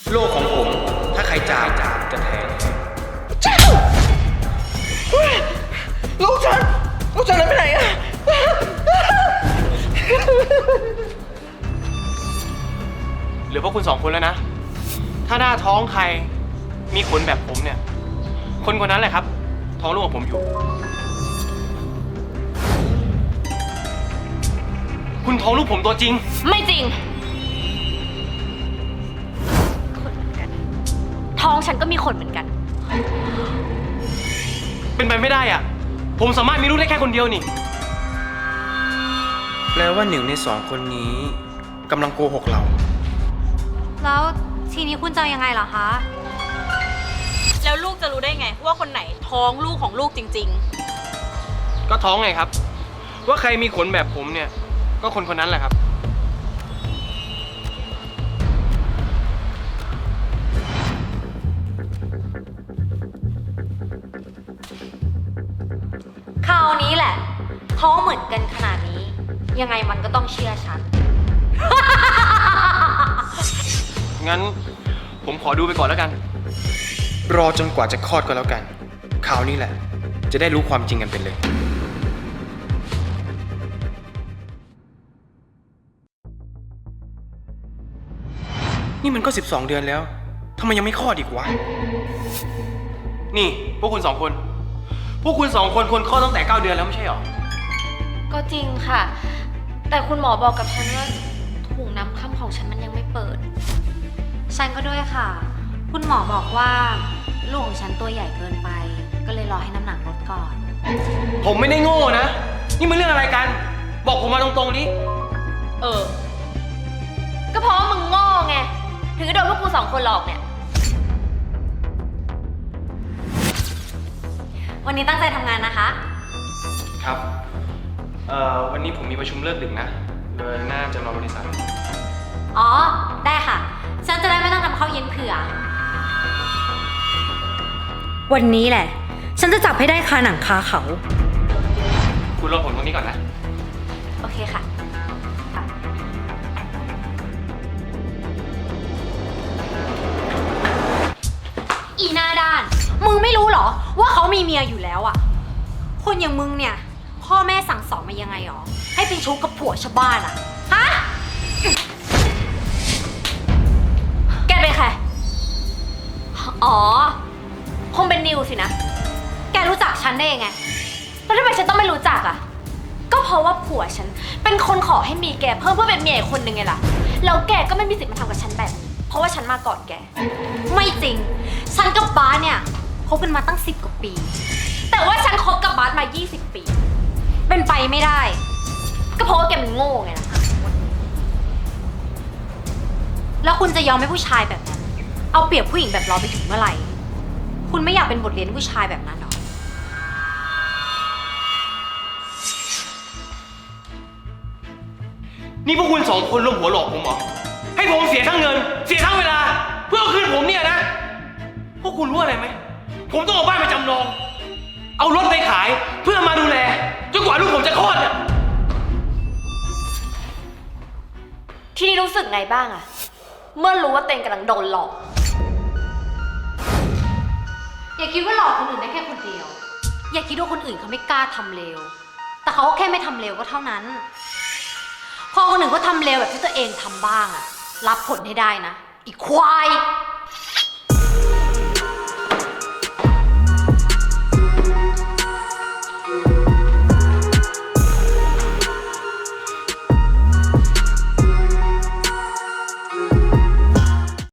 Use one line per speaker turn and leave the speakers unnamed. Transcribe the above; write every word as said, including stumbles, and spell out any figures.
โลกของผมถ้าใครจามจะแทง
ลูกฉันลูกฉันนั้นไปไหนอะ
เหลือพวกคุณสองคนแล้วนะถ้าหน้าท้องใครมีขนแบบผมเนี่ยคนคนนั้นแหละครับท้องลูกของผมอยู่คุณท้องลูกผมตัวจริง
ไม่จริงท้องฉันก็มีขนเหมือนกัน
เป็นไปไม่ได้อ่ะผมสามารถมีลูกได้แค่คนเดียวนี่แปลว่าหนึ่งในสองคนนี้กำลังโกหกเรา
แล้วทีนี้คุณจะยังไงล่ะคะ
แล้วลูกจะรู้ได้ไงว่าคนไหนท้องลูกของลูกจริง
ๆก็ท้องไงครับว่าใครมีขนแบบผมเนี่ยก็คนคนนั้นแหละครับ
คราวนี้แหละท้องเหมือนกันขนาดนี้ยังไงมันก็ต้องเชื่อฉัน
งั้นผมขอดูไปก่อนแล้วกันรอจนกว่าจะคลอดก็แล้วกันคราวนี้แหละจะได้รู้ความจริงกันเป็นเลยนี่มันก็สิบสองเดือนแล้วทำไมยังไม่คลอดอีกวะนี่พวกคุณสองคนพวกคุณสองคนควรคลอดตั้งแต่เก้าเดือนแล้วไม่ใช่หรอ
ก็จริงค่ะแต่คุณหมอบอกกับฉันว่าถุงน้ำค่ำของฉันมันยังไม่เปิดฉันก็ด้วยค่ะคุณหมอบอกว่าลูกของฉันตัวใหญ่เกินไปก็เลยรอให้น้ำหนักลดก่อน
ผมไม่ได้โง่นะนี่มันเรื่องอะไรกันบอกผมมาตรงๆดิ
เออก็เพราะว่ามึงโง่ไงถึงจะโดนพวกกูสองคนหลอกเนี่ยวันนี้ตั้งใจทำงานนะคะ
ครับเอ่อวันนี้ผมมีประชุมเลิกดึกนะเลยน่าจะรอบริษัท
อ๋อได้ค่ะฉันจะได้ไม่ต้องทำข้าวเย็นเผื่อวันนี้แหละฉันจะจับให้ได้คาหนังคาเขา
คุณรอผมตรงนี้ก่อนนะ
โอเคค่ะอีหน้าด้านมึงไม่รู้เหรอว่าเขามีเมียอยู่แล้วอะคนอย่างมึงเนี่ยพ่อแม่สั่งสอนมายังไงหรอให้เป็นชู้กับผัวชาวบ้านอะฮะแกเป็นใครอ๋อคงเป็นนิวสินะแกรู้จักฉันได้ยังไงแล้วทำไมฉันต้องไม่รู้จักอะก็เพราะว่าผัวฉันเป็นคนขอให้มีแกเพิ่มเพื่อเป็นเมียอีกคนนึงไงล่ะแล้วแกก็ไม่มีสิทธิ์มาทำกับฉันแบบเพราะว่าฉันมาก่อนแกไม่จริงฉันกับบาสเนี่ยคบกันมาตั้งสิบกว่าปีแต่ว่าฉันคบกับบาสมายี่สิบปีเป็นไปไม่ได้ก็เพราะว่าแกมันโง่ไงล่ะแล้วคุณจะยอมให้ผู้ชายแบบนั้นเอาเปรียบผู้หญิงแบบเราไปถึงเมื่อไหร่คุณไม่อยากเป็นบทเรียนผู้ชายแบบนั้นหรอ
นี่พวกคุณสองคนร่วมหัวหลอกผมเหรอให้ผมเสียทั้งเงินเสียทั้งเวลาเพื่อเอาคืนผมเนี่ยนะพวกคุณรู้อะไรไหมผมต้องเอาบ้านไปจำนองเอารถไปขายเพื่อมาดูแลจนกว่าลูกผมจะคลอดอ่ะ
ทีนี้รู้สึกไงบ้างอะเมื่อรู้ว่าเต็งกำลังโดนหลอกอย่าคิดว่าหลอกคนอื่นได้แค่คนเดียวอย่าคิดว่าคนอื่นเขาไม่กล้าทำเลวแต่เขาก็แค่ไม่ทำเลวก็เท่านั้นพอคนอื่นก็ทำเลวแบบที่ตัวเองทำบ้างอะรับผลให้ได้นะอีกควาย